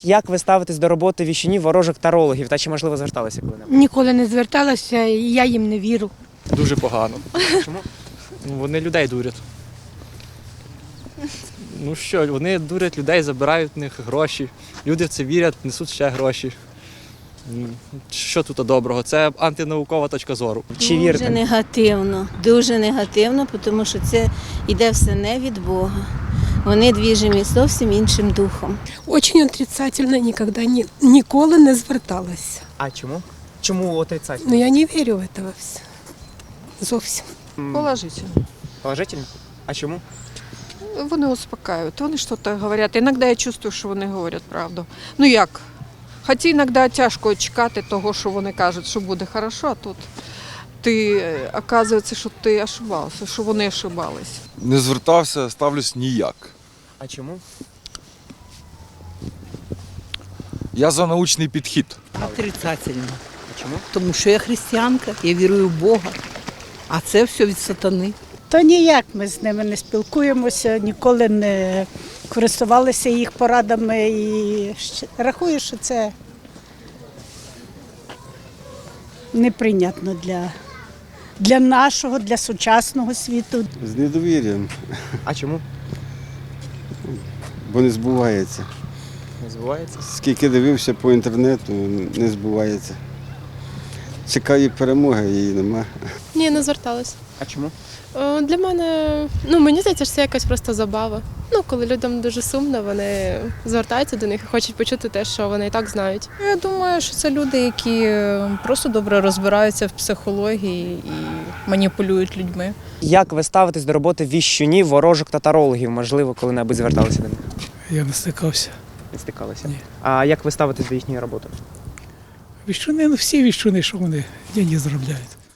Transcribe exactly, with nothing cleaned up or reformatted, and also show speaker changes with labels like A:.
A: Як ви ставитесь до роботи віщунів, ворожок, тарологів та чи, можливо, зверталися коли-небудь?
B: Ніколи не зверталася, і я їм не вірю.
C: Дуже погано.
A: Чому?
C: Ну, вони людей дурять. Ну що, вони дурять людей, забирають в них гроші. Люди в це вірять, несуть ще гроші. Ну, що тут доброго? Це антинаукова точка зору.
A: Чи
D: Дуже
A: вірите?
D: негативно, дуже негативно, тому що це йде все не від Бога. Вони двіжені зовсім іншим духом.
B: Очень отрицательно, ніколи, ні, ніколи не зверталася.
A: А чому? Чому отрицательно?
B: Ну я не вірю в це все. Зовсім.
E: Положительно.
A: Положительно? А чому?
E: Вони успокаивают, вони щось говорять. Іноді я чувствую, що вони говорять правду. Ну як? Хоча іноді тяжко чекати того, що вони кажуть, що буде хорошо, а тут ти, оказується, що ти ошибався, що вони ошибались.
F: Не звертався, ставлюсь ніяк.
A: А чому?
F: Я за научний підхід.
G: Отрицательно.
A: А чому?
G: Тому що я християнка, я вірую в Бога, а це все від сатани.
H: То ніяк ми з ними не спілкуємося, ніколи не користувалися їх порадами і ще- рахую, що це неприйнятно для, для нашого, для сучасного світу.
I: З недовір'ям,
A: А чому?
I: бо не збувається.
A: Не збувається?
I: Скільки дивився по інтернету, не збувається. Чекаю перемоги, її нема.
J: Ні, не зверталась.
A: А чому?
J: Е, Для мене, ну мені здається, що це якась просто забава. Ну, коли людям дуже сумно, вони звертаються до них і хочуть почути те, що вони і так знають.
K: Я думаю, що це люди, які просто добре розбираються в психології і маніпулюють людьми.
A: Як ви ставитесь до роботи віщунів, ворожок та тарологів? Можливо, коли-небудь зверталися до них?
L: Я не стикався.
A: Не стикалися?
L: Ні.
A: А як ви ставитесь до їхньої роботи?
L: Віщуни, ну всі віщуни, що вони деньги заробляють.